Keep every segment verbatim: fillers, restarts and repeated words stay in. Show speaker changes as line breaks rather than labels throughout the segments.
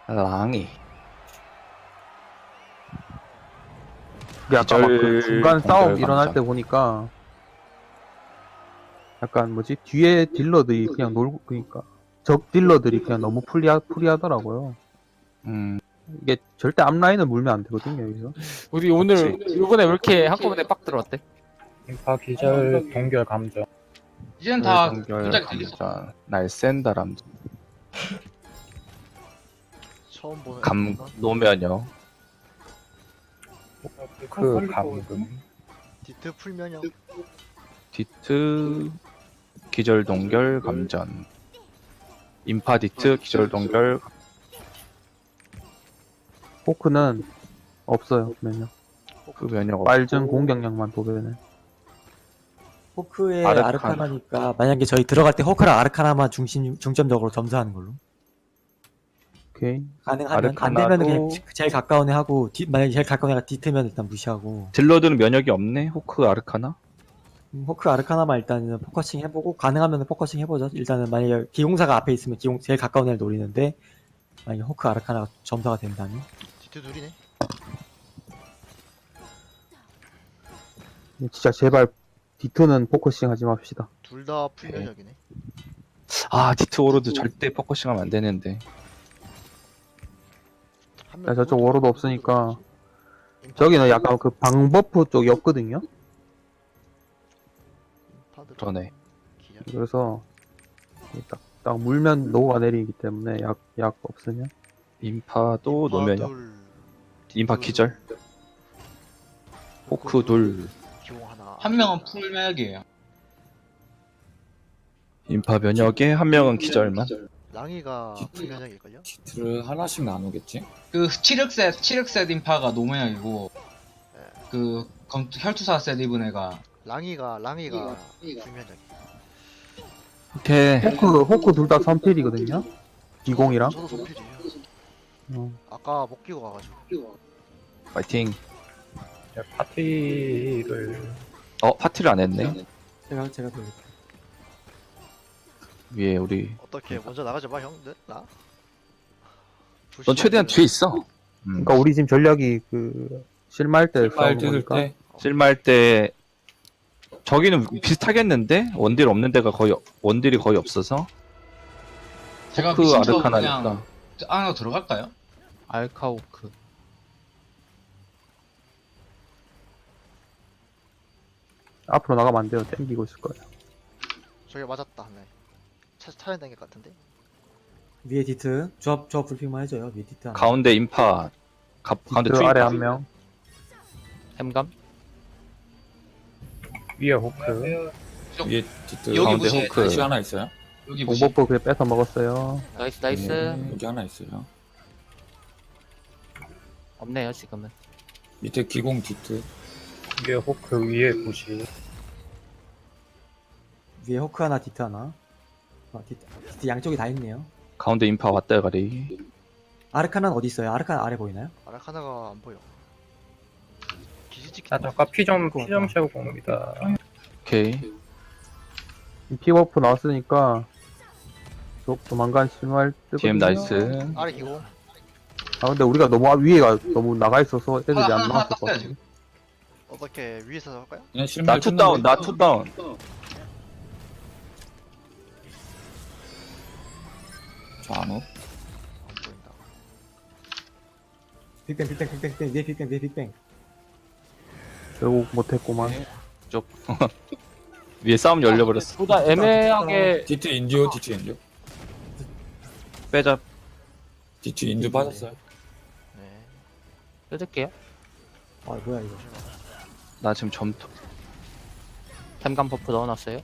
랑이.
이게 아까 막 그
기절
중간
동결
싸움 일어날
감정.
때 보니까 약간 뭐지 뒤에 딜러들이 그냥 놀고 그러니까 적 딜러들이 그냥 너무 프리하, 프리하더라고요.
음,
이게 절대 앞라인을 물면 안 되거든요 여기서.
우리 오늘 이번에 왜 이렇게 한꺼번에 빡 들어왔대?
인파 기절 동결 감정.
이제는 다
동결
동작이 들렸어.
감전. 날쌘다람.
처음 보는
감
애구나.
노면역.
그 감금.
디트 풀면역.
디트 기절 동결 감전. 인파 디트 기절 동결.
포크는 없어요 면역.
그 면역 없고.
빨준 공격력만 도배네.
호크의
아르카나.
아르카나니까 만약에 저희 들어갈 때 호크랑 아르카나만 중심 중점적으로 점수하는 걸로
오케이.
가능하면 안
아르카나도-
되면 그냥 제일 가까운 애 하고 디, 만약에 제일 가까운 애가 디트면 일단 무시하고
딜러들은 면역이 없네. 호크 아르카나.
음, 호크 아르카나만 일단은 포커싱 해보고 가능하면 포커싱 해보죠. 일단은 만약에 기공사가 앞에 있으면 기공 제일 가까운 애를 노리는데 만약에 호크 아르카나가 점사가 된다면
디트 둘이네.
진짜 제발 디트는 포커싱 하지 맙시다.
둘 다 풀면역이네.
아 디트 오로드 절대 포커싱하면 안 되는데.
한
야,
명
저쪽
오른쪽
워로드
오른쪽
없으니까
오른쪽. 인파
저기는
기절.
약간 그 방버프 쪽이 없거든요.
인파들
그러네.
기절.
그래서 딱, 딱 물면 노가 내리기 때문에 약, 약 없으면
인파도
인파
노면역.
둘,
인파
디트
기절. 호크 둘.
기공 하나.
한 명은 풀면역이에요.
인파 면역에 한 명은 기절만.
랑이가 풀면역일걸요?
디트를 하나씩 나누겠지?
그 칠흑셋 칠흑셋 인파가 노면역이고
네.
그 검, 혈투사 셋 입은 애가
랑이가 랑이가 풀면역.
오케이.
호크, 호크 둘 다 선필이거든요. 기공이랑.
저도 손필이에요.
어.
아까 못 끼고 가가지고.
파이팅.
이제 파티를
어 파티를 안 했네.
제가 제가 돌릴게요.
위에 우리.
어떻게 먼저 나가지 마 형들 나?
넌 최대한 뒤에 있어. 음.
그러니까 우리 지금 전략이 그 실마할 때
말
싸우는
뜯을
거니까.
때
실마할 때 저기는 비슷하겠는데 원딜 없는 데가 거의 원딜이 거의 없어서.
제가
호크
미친 척
아르카나니까.
그냥 안으로 들어갈까요?
알카오크.
앞으로 나가면 안 돼요. 땡기고 있을 거예요.
저기 맞았다 한 명. 차 차량 댕길 것 같은데.
위에 디트 조합 조합 불핑만 해줘요. 위에 디트 하나.
가운데 인파. 가, 가운데
그
투
아래
인파.
한 명.
햄감?
위에 호크.
위에 디트
여기
가운데
보시면
호크.
다시 하나 있어요?
여기 보시.
공버프 그래 뺏어 먹었어요.
나이스 나이스.
네, 여기 하나 있어요.
없네요 지금은.
밑에 기공 디트
위에 호크 위에 부시.
위에 호크 하나 디트 하나. 어, 디트, 디트 양쪽이 다 있네요.
가운데 인파 왔다 가리.
아르카나는 어디 있어요? 아르카나 아래 보이나요?
아라카나가 안 보여. 기지 찍기.
자 잠깐 피좀 피 좀 채우고 옵니다.
오케이.
픽워프 나왔으니까 조, 조만간 실마할 뜨거든요.
디엠 나이스.
아래 기공.
아 근데 우리가 너무 앞- 위에가 너무 나가 있어서 애들이
하나,
안
하나
나왔을 것
땄어요,
같아.
지금.
어떻게 위에서 할까요?
그냥 실말
나 투다운. 나 투다운.
좌우
안 보인다.
빅뱅 빅뱅 빅뱅 빅뱅 위에 빅뱅 위에 빅뱅.
결국 못했구만.
쪽. 위에 싸움 열려버렸어.
둘 다 애매하게
디트 인듀 디트 인듀
빼자.
디트 인듀 빠졌어요.
네.
뜯을게요.
아 뭐야 이거.
나 지금 점토.
햄감 버프 넣어놨어요.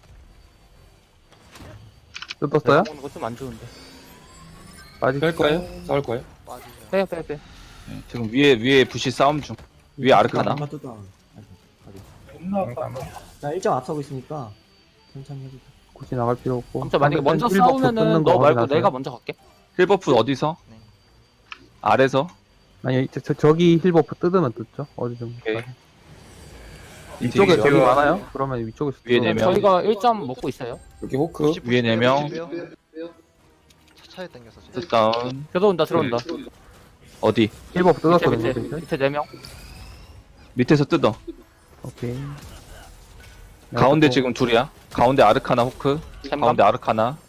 뜯었어요?
먹는 거 좀 안 좋은데.
빠지.
뺄 거예요? 싸울 거예요?
빠지죠.
빼요 빼요 빼.
지금 위에 위에 부시 싸움 중. 위에 아르카나.
아마 또 다운.
잠깐만.
나 일 점 앞서고 있으니까 천천히 해보자.
굳이 나갈 필요 없고.
아무튼 만약에 먼저
힐 버프
싸우면은
뜯는
너
거
말고
확인하세요.
내가 먼저 갈게.
힐버프 어디서?
네.
아래서?
아니 저, 저, 저기 힐버프 뜯으면 뜯죠. 어디 좀.
오케이.
위쪽에
되게
저기
지금-
많아요? 그러면 위쪽에서
위에
뜯어요.
네 명.
저희가 일 점 먹고 있어요.
여기 호크
부시, 부시
위에 네
빼요,
명.
부시 빼요. 차- 차에 당겨서 지금.
다운.
들어온다 들어온다.
어디?
일 버프
밑에
뜯었거든요.
밑에
이제.
밑에 네 명.
밑에서 뜯어.
오케이.
가운데 지금 둘이야. 가운데 아르카나 호크.
템감.
가운데 아르카나.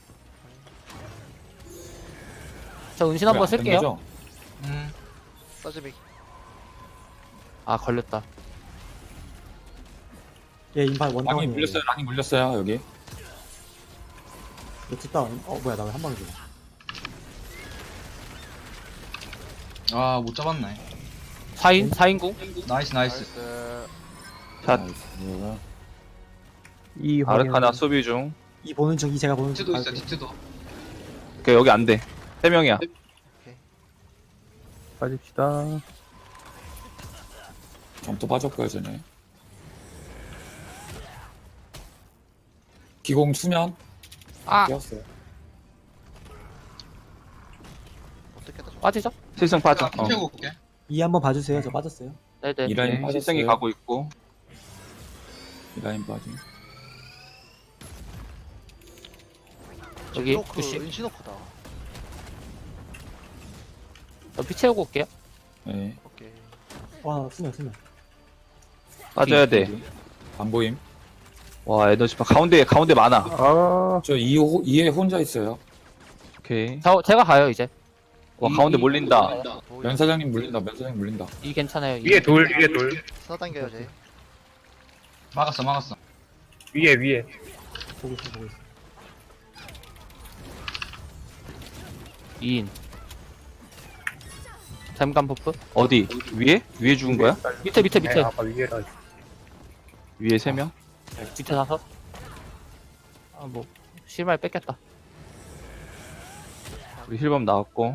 저 은신 한번
왜안
쓸게요.
당겨져?
음.
싸지미.
아 걸렸다.
얘 인파
랑이
원다운이에요.
물렸어요. 랑이 물렸어요. 여기.
얘 뒷다운. 어 뭐야 나 왜 한 방에 죽어.
아, 못 잡았네.
사 인 사 인궁.
나이스, 나이스.
나이스.
샷.
나이스.
이 확인.
아르카나 수비 중.
이 보는 중, 이 제가 보는 중.
디트도 있어,
갈게요.
디트도.
그 여기 안 돼. 세 명이야.
빠집시다.
점토 빠졌고요, 전에. 기공 수면
아
깨웠어요.
어떻게 다
빠지죠?
실성 빠져. 어.
피 채우고 올게.
이 한번 봐주세요. 저 빠졌어요.
네네.
이 라인
네,
빠졌어요.
실성이 가고 있고.
이 라인 빠짐.
여기
그
부시.
은신호크다.
저피 채우고 올게요.
네.
오케이.
와 수면 수면.
빠져야 돼.
안 보임.
와 에너지파 가운데 가운데 많아.
아,
저 이 호, 이에 혼자 있어요.
오케이.
저 제가 가요 이제.
와
이-
가운데
이-
몰린다.
도우
면사장님 물린다. 면사장님 물린다.
이 괜찮아요. 이.
위에 돌 위에 돌
사 당겨요 제.
막았어, 막았어.
위에 위에
보고 있어 보고 있어.
이 인. 잠깐 버프.
어디? 위에? 위에 죽은 거야?
밑에 밑에
네,
밑에.
아까 위에라
위에 세 명?
밑에 다섯. 아뭐 실말 뺏겼다.
우리 힐범 나왔고.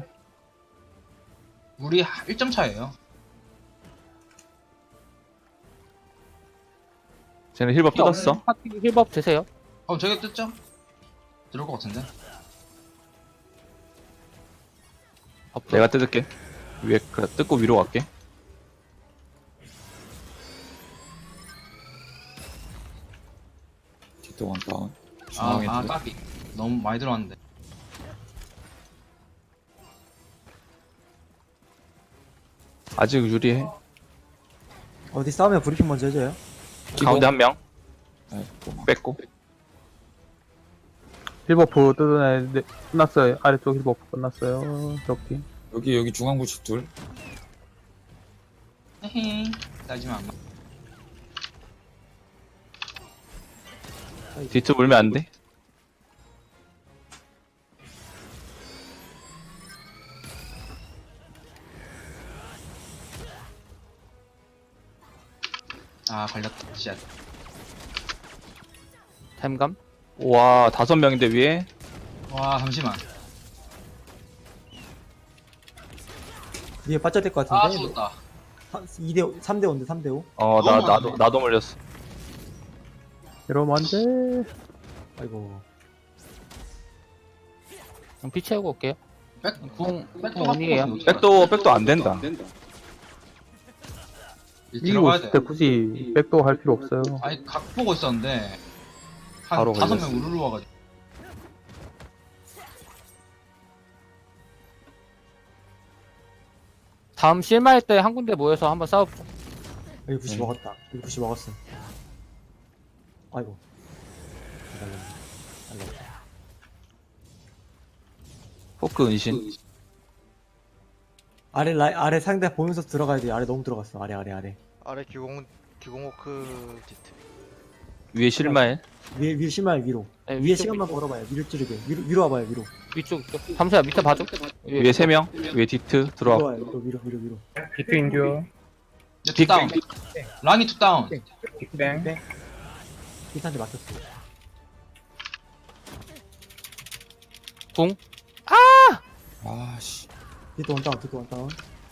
우리 일 점 차예요.
쟤는 힐범 뜯었어.
파티 힐법 드세요.
어, 저기 뜯죠? 들어올 것 같은데.
버프.
내가 뜯을게. 위에 그 뜯고 위로 갈게.
디트 원 다운.
아,
중앙에
아,
두-
까비. 너무 많이 들어왔는데.
아직 유리해.
어디 싸우면 브리핑 먼저 해줘요.
기공.
가운데 한 명.
네, 또 막.
뺐고.
일 버프 뜯어내는데 끝났어요. 아래쪽 일 버프 끝났어요. 저기.
여기 여기 중앙부시 둘.
헤헤. 따지면 안 나.
디트 물면 안 돼.
아, 걸렸다. 씨.
템감.
와 다섯 명인데 위에.
와, 잠시만.
위에 빠져야 될 것
아,
같은데.
죽었다.
이 대 삼 대 오인데 삼 대 오.
어 나
너무
나도
많네.
나도 물렸어.
이러면 안 돼.
아이고.
그럼 피 채우고 올게요.
백,
궁
백도
궁 원이에요.
백도 백도 안 된다.
이기고
들어가야
있을
돼.
때 굳이 백도 할 필요 없어요.
아니, 각 보고 있었는데. 한
바로
다섯
걸렸어.
명 우르르 와가지고.
다음 실마할 때 한 군데 모여서 한번 싸워보자.
여기 부시
음.
먹었다. 여기 부시 먹었어. 아이고. 날렸네. 날렸다.
포크 은신.
아래 라이 아래 상대 보면서 들어가야 돼. 아래 너무 들어갔어. 아래 아래 아래.
아래 기공 기공호크 디트.
위에 실마엘.
위에 위에 심할 위로.
네,
위에
위쪽,
시간만 걸어봐요. 위로 찌르게. 위로 위로 와봐요. 위로.
위쪽 위쪽. 잠시만 밑에 봐줘.
위에 세 명. 위에 디트
위로
들어와.
와요. 위로 위로 위로 위로.
비트 인듀어
투 다운. 랑이 투 다운.
빅뱅
비탄테 막혔어.
궁.
아씨.
디트 원 다운. 디트 원 다운.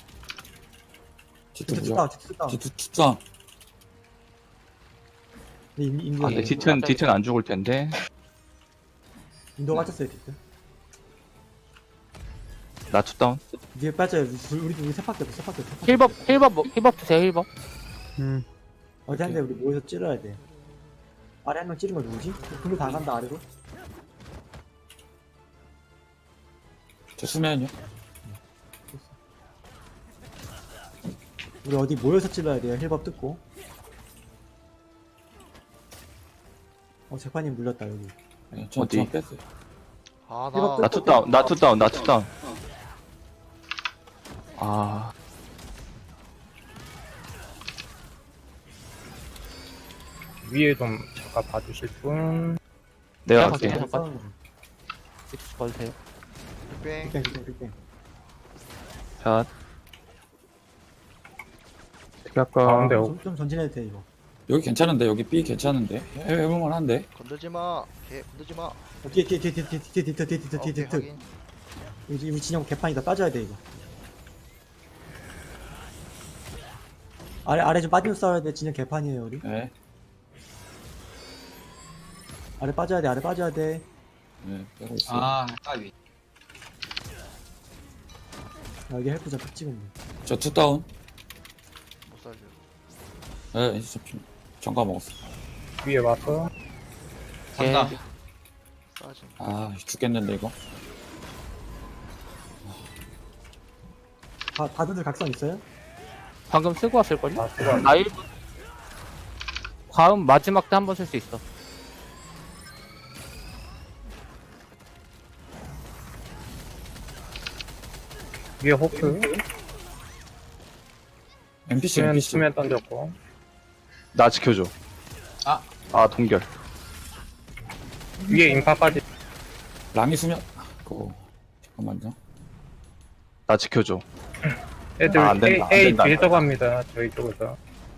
디트
디트 투
무적.
다운. 디트 투 다운.
디트 투 다운.
네, 인- 인도
아, 근데 디트는 디트는 안 죽을 텐데.
인도 맞췄어요. 디트.
나 투다운.
위에 빠져요. 우리 우리 우리 세파밖에 없어. 세파밖에 없어.
힐법 힐법 뭐- 힐법 드세요 힐법.
음.
어디 한 대 우리 모여서 찌러야 돼. 아래 한 명 찌른 거 누구지? 글로 다 간다 아래로.
저 수면요.
우리 어디 모여서 찔러야 돼요. 힐법 뜯고. 어 재판님 물렸다 여기.
네, 저,
어디?
저 뺐어요.
아,
힐법
나
나 투다운, 나 투다운, 나 투다운. 아,
위에 좀 잠깐 봐주실 분.
내가
갈게요.
할게.
잠깐.
싸우는 거.
빅스 봐주세요.
빅뱅.
빅뱅 빅뱅 빅뱅.
자,
어떻게 할까?
가운데
좀, 좀 전진해도 돼 이거.
여기 괜찮은데 여기 B 괜찮은데 해- 해볼만한데.
건들지 마. 개 건들지 마.
어, 뒤에 뒤에 뒤에 뒤에 뒤에 뒤에 뒤에 뒤에 뒤에 뒤에
오케이,
뒤에 뒤에
확인.
우리 우리 진영 개판이다. 빠져야 돼 이거. 아래 아래 좀 빠지면서 싸워야 돼. 진영 개판이에요 우리.
네.
아래 빠져야 돼. 아래 빠져야 돼.
네, 빼고 있어요.
아, 까비.
아, 여기 헬프 잡 찍었네.
저 투다운.
못 살려.
네, 이제 잡힌. 정가 먹었어.
위에 와서.
간다.
싸지.
아, 죽겠는데 이거.
다 다들 각성 있어요?
방금 쓰고 왔을걸요?
아, 그거
나 일 분. 과음 마지막 때 한 번 쓸 수 있어.
위에 호크.
엔피씨,
수면,
엔피씨.
수면 던졌고.
나 지켜줘.
아.
아, 동결.
위에 인파까지.
랑이 수면. 그거. 잠깐만요.
나 지켜줘.
애들
아, 안 된다, 안
A, A
된다.
뒤에서 갑니다. 저희 쪽에서.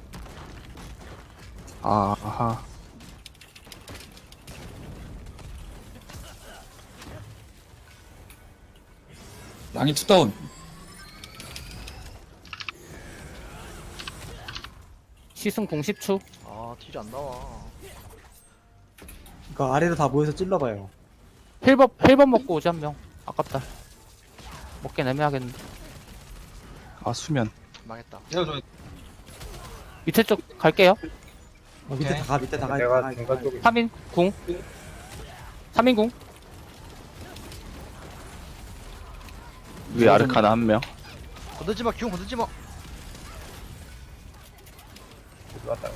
아, 아하.
랑이 투다운.
시승 공 십 초.
아, 딜이 안 나와.
그러니까 아래로 다 모여서 찔러봐요.
힐법 힐법 먹고 오지 한 명. 아깝다. 먹긴 애매하겠는데.
아, 수면.
망했다.
태워줘.
밑에 쪽 갈게요.
어, 밑에
오케이.
다 가, 밑에 다 가. 다
내가
가,
중간
다 가.
쪽에.
삼 인 궁. 삼 인 궁.
위에 아르카나 한 명.
건들지 마. 기운 건들지 마.
왔다.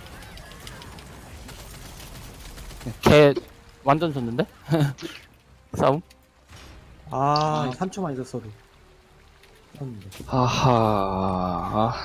걔 완전 졌는데? 싸움?
아,
아.
삼 초만 있었어도. 쳤는데.
아하.